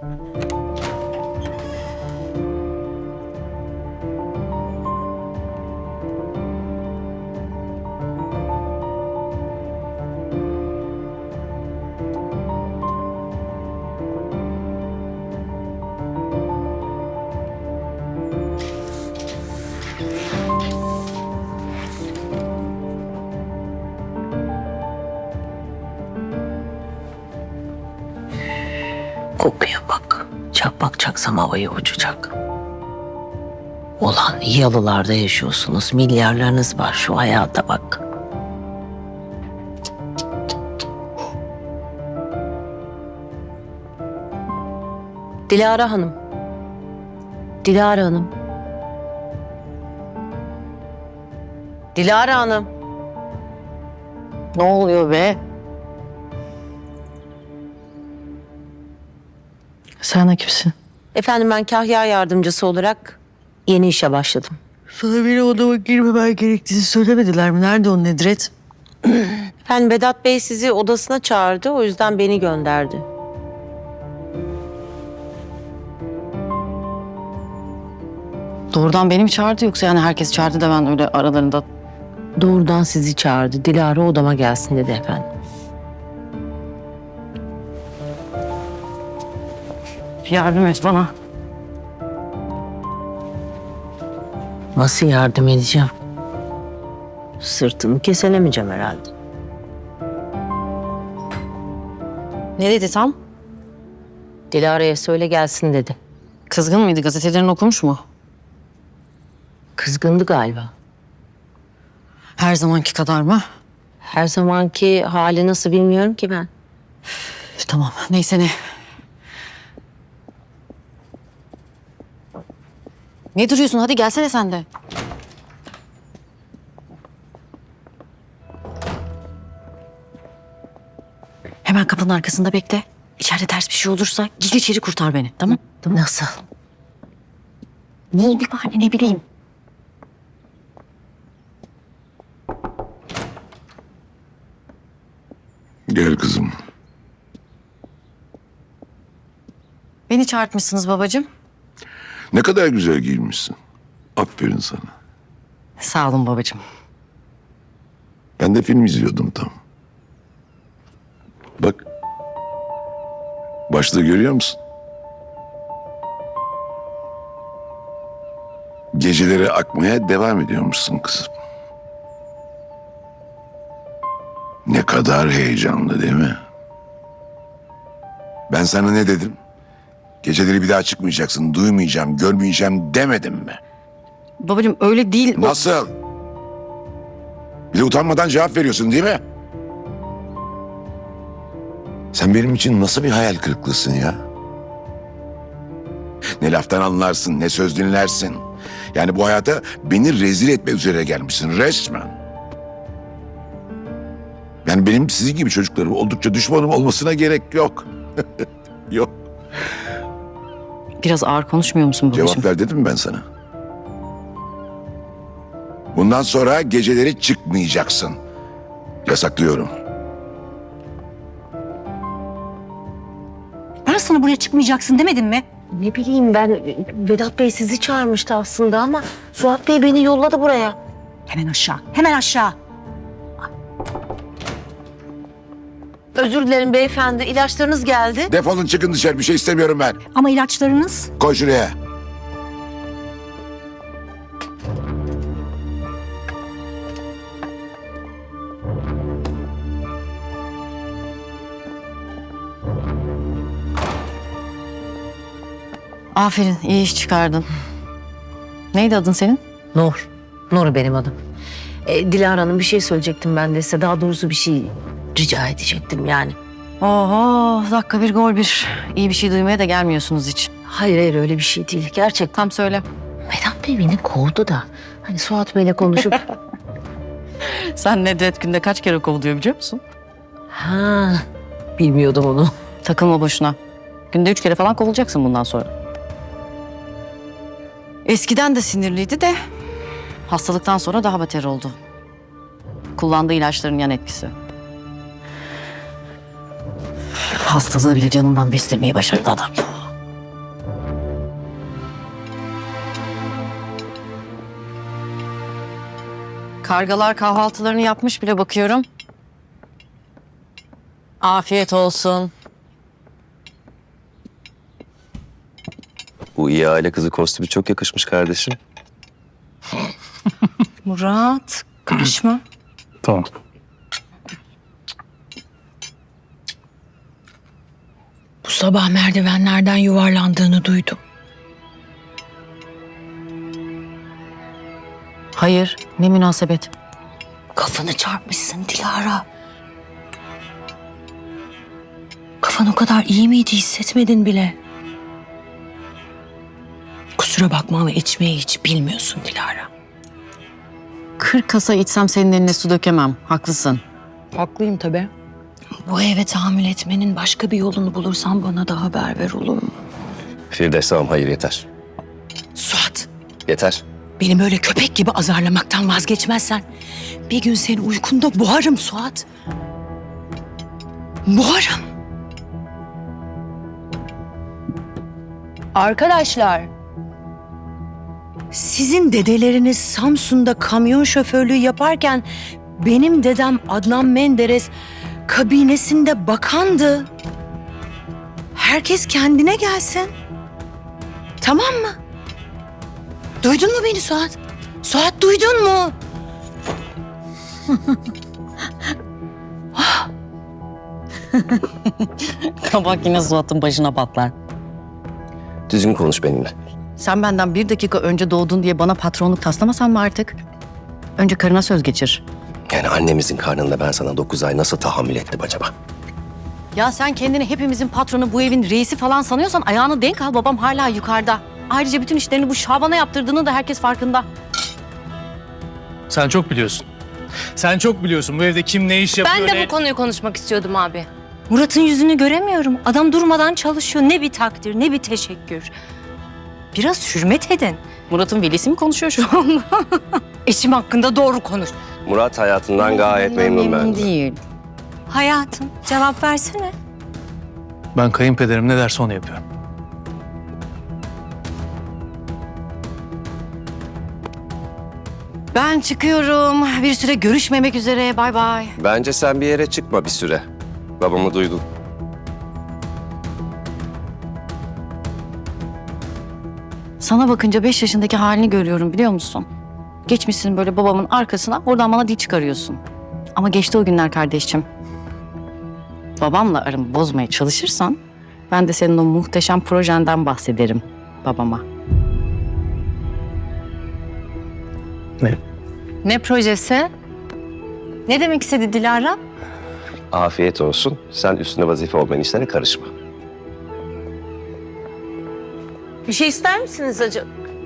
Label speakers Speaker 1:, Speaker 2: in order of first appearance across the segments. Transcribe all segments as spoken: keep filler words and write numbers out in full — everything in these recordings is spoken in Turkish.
Speaker 1: Kokuya bak. Çakmak çaksam havaya uçacak. Ulan yalılarda yaşıyorsunuz. Milyarlarınız var, şu hayata bak. Dilara Hanım. Dilara Hanım. Dilara Hanım. Ne oluyor be?
Speaker 2: Sen de kimsin?
Speaker 1: Efendim, ben Kahya yardımcısı olarak yeni işe başladım.
Speaker 2: Sana beni odama girmemen gerektiğini söylemediler mi? Nerede o Nedret?
Speaker 1: Efendim, Vedat Bey sizi odasına çağırdı, o yüzden beni gönderdi.
Speaker 2: Doğrudan beni mi çağırdı yoksa yani herkes çağırdı da ben öyle aralarında...
Speaker 1: Doğrudan sizi çağırdı. Dilara odama gelsin dedi efendim.
Speaker 2: Yardım et bana.
Speaker 1: Nasıl yardım edeceğim? Sırtını keselemeyeceğim herhalde.
Speaker 2: Ne dedi tam?
Speaker 1: Dilara'ya söyle gelsin dedi.
Speaker 2: Kızgın mıydı? Gazetelerini okumuş mu?
Speaker 1: Kızgındı galiba.
Speaker 2: Her zamanki kadar mı?
Speaker 1: Her zamanki hali nasıl bilmiyorum ki ben.
Speaker 2: Tamam. Neyse ne. Ne duruyorsun? Hadi gelsene sen de. Hemen kapının arkasında bekle. İçeride ters bir şey olursa gir içeri kurtar beni. Tamam?
Speaker 1: Nasıl?
Speaker 2: Bul bir bahane, ne bileyim.
Speaker 3: Gel kızım.
Speaker 2: Beni çağırtmışsınız babacığım.
Speaker 3: Ne kadar güzel giyinmişsin. Aferin sana.
Speaker 2: Sağ olun babacığım.
Speaker 3: Ben de film izliyordum tam. Bak. Başlığı görüyor musun? Geceleri akmaya devam ediyormuşsun kızım. Ne kadar heyecanlı değil mi? Ben sana ne dedim? Geceleri bir daha çıkmayacaksın, duymayacağım, görmeyeceğim demedim mi?
Speaker 2: Babacığım öyle değil. o-
Speaker 3: Nasıl? Bir de utanmadan cevap veriyorsun değil mi? Sen benim için nasıl bir hayal kırıklığısın ya? Ne laftan anlarsın, ne söz dinlersin. Yani bu hayata beni rezil etme üzere gelmişsin resmen. Yani benim sizin gibi çocuklarım oldukça düşmanım olmasına gerek yok. Yok.
Speaker 2: Biraz ağır konuşmuyor musun babacığım?
Speaker 3: Cevap ver dedim mi ben sana? Bundan sonra geceleri çıkmayacaksın. Yasaklıyorum.
Speaker 4: Ben sana buraya çıkmayacaksın demedim mi?
Speaker 1: Ne bileyim ben, Vedat Bey sizi çağırmıştı aslında ama Suat Bey beni yolladı buraya.
Speaker 4: Hemen aşağı, hemen aşağı.
Speaker 1: Özür dilerim beyefendi, ilaçlarınız geldi.
Speaker 3: Defolun çıkın dışarı, bir şey istemiyorum ben.
Speaker 4: Ama ilaçlarınız...
Speaker 3: Koy şuraya.
Speaker 2: Aferin, iyi iş çıkardın. Neydi adın senin?
Speaker 1: Nur. Nur benim adım. E, Dilara Hanım, bir şey söyleyecektim ben de size. Daha doğrusu bir şey rica edecektim yani.
Speaker 2: Oho, dakika bir gol bir. İyi bir şey duymaya da gelmiyorsunuz hiç.
Speaker 1: Hayır hayır, öyle bir şey değil. Gerçekten
Speaker 2: Tam söyle.
Speaker 1: Vedat Bey beni kovdu da. Hani Suat Bey'le konuşup...
Speaker 2: Sen Nedret günde kaç kere kovuluyor biliyor musun?
Speaker 1: ha, bilmiyordum onu.
Speaker 2: Takılma boşuna. Günde üç kere falan kovulacaksın bundan sonra. Eskiden de sinirliydi de hastalıktan sonra daha beter oldu. Kullandığı ilaçların yan etkisi. Hastalığı bile canından beslemeyi başardı adam. Kargalar kahvaltılarını yapmış bile bakıyorum. Afiyet olsun.
Speaker 5: Bu iyi aile kızı kostümü çok yakışmış kardeşim.
Speaker 4: Murat, karışma.
Speaker 6: Tamam.
Speaker 7: Bu sabah merdivenlerden yuvarlandığını duydum.
Speaker 2: Hayır, ne münasebet.
Speaker 7: Kafanı çarpmışsın Dilara. Kafan o kadar iyi miydi, hissetmedin bile. Kusura bakma ama içmeyi hiç bilmiyorsun Dilara.
Speaker 2: Kırk kasa içsem senin eline su dökemem. Haklısın.
Speaker 7: Haklıyım tabii. Bu eve tahammül etmenin başka bir yolunu bulursan bana da haber ver, olur mu?
Speaker 5: Firdevs tamam hayır yeter.
Speaker 7: Suat,
Speaker 5: Yeter.
Speaker 7: beni böyle köpek gibi azarlamaktan vazgeçmezsen bir gün seni uykunda boğarım Suat. Boğarım.
Speaker 4: Arkadaşlar, sizin dedeleriniz Samsun'da kamyon şoförlüğü yaparken benim dedem Adnan Menderes kabinesinde bakandı. Herkes kendine gelsin. Tamam mı? Duydun mu beni Suat? Suat duydun mu?
Speaker 2: Kabak yine Suat'ın başına patlar.
Speaker 5: Düzgün konuş benimle.
Speaker 2: Sen benden bir dakika önce doğdun diye bana patronluk taslamasan mı artık? Önce karına söz geçir.
Speaker 5: Yani annemizin karnında ben sana dokuz ay nasıl tahammül ettim acaba?
Speaker 2: Ya sen kendini hepimizin patronu, bu evin reisi falan sanıyorsan ayağını denk al, babam hala yukarıda. Ayrıca bütün işlerini bu Şaban'a yaptırdığını da herkes farkında.
Speaker 6: Sen çok biliyorsun. Sen çok biliyorsun bu evde kim ne iş yapıyor.
Speaker 1: Ben de
Speaker 6: ne-
Speaker 1: bu konuyu konuşmak istiyordum abi.
Speaker 4: Murat'ın yüzünü göremiyorum. Adam durmadan çalışıyor. Ne bir takdir, ne bir teşekkür. Biraz hürmet edin.
Speaker 2: Murat'ın velisi mi konuşuyor şu anda?
Speaker 4: Eşim hakkında doğru konuş.
Speaker 5: Murat hayatından gayet memnun bence.
Speaker 2: değil.
Speaker 4: Hayatım, cevap versene.
Speaker 6: Ben kayınpederim ne derse onu yapıyorum.
Speaker 2: Ben çıkıyorum. Bir süre görüşmemek üzere. Bay bay.
Speaker 5: Bence sen bir yere çıkma bir süre. Babamı duydun.
Speaker 2: Sana bakınca beş yaşındaki halini görüyorum, biliyor musun? Geçmişsin böyle babamın arkasına, oradan bana dil çıkarıyorsun. Ama geçti o günler kardeşim. Babamla aramı bozmaya çalışırsan ben de senin o muhteşem projenden bahsederim babama.
Speaker 6: Ne?
Speaker 4: Ne projesi? Ne demek istedi Dilara?
Speaker 5: Afiyet olsun. Sen üstüne vazife olmayan işlere karışma.
Speaker 1: Bir şey ister misiniz acaba?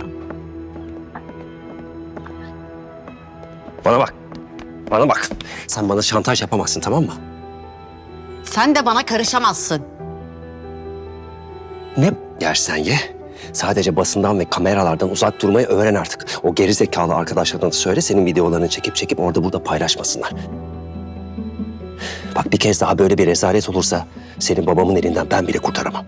Speaker 5: Bana bak. Bana bak. Sen bana şantaj yapamazsın tamam mı?
Speaker 2: Sen de bana karışamazsın.
Speaker 5: Ne yersen ye. Sadece basından ve kameralardan uzak durmayı öğren artık. O gerizekalı arkadaşlarına da söyle senin videolarını çekip çekip orada burada paylaşmasınlar. Bak bir kez daha böyle bir rezalet olursa senin babamın elinden ben bile kurtaramam.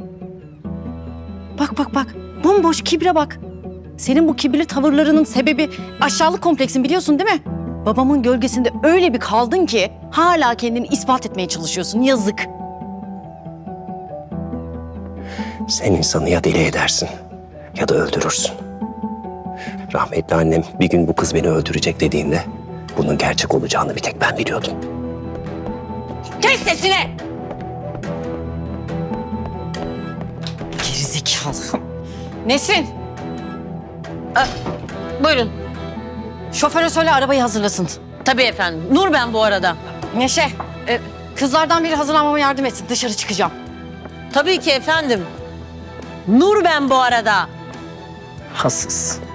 Speaker 2: Bak bak bak, bomboş kibre bak. Senin bu kibirli tavırlarının sebebi aşağılık kompleksin, biliyorsun değil mi? Babamın gölgesinde öyle bir kaldın ki hala kendini ispat etmeye çalışıyorsun, yazık.
Speaker 5: Sen insanı ya deli edersin ya da öldürürsün. Rahmetli annem bir gün bu kız beni öldürecek dediğinde bunun gerçek olacağını bir tek ben biliyordum.
Speaker 2: Kes sesini! Gerizekalı. Nesrin,
Speaker 1: Buyurun.
Speaker 2: şoföre söyle arabayı hazırlasın.
Speaker 1: Tabii efendim. Nur ben bu arada.
Speaker 2: Neşe, e, kızlardan biri hazırlanmama yardım etsin. Dışarı çıkacağım.
Speaker 1: Tabii ki efendim. Nur ben bu arada.
Speaker 2: Hassız.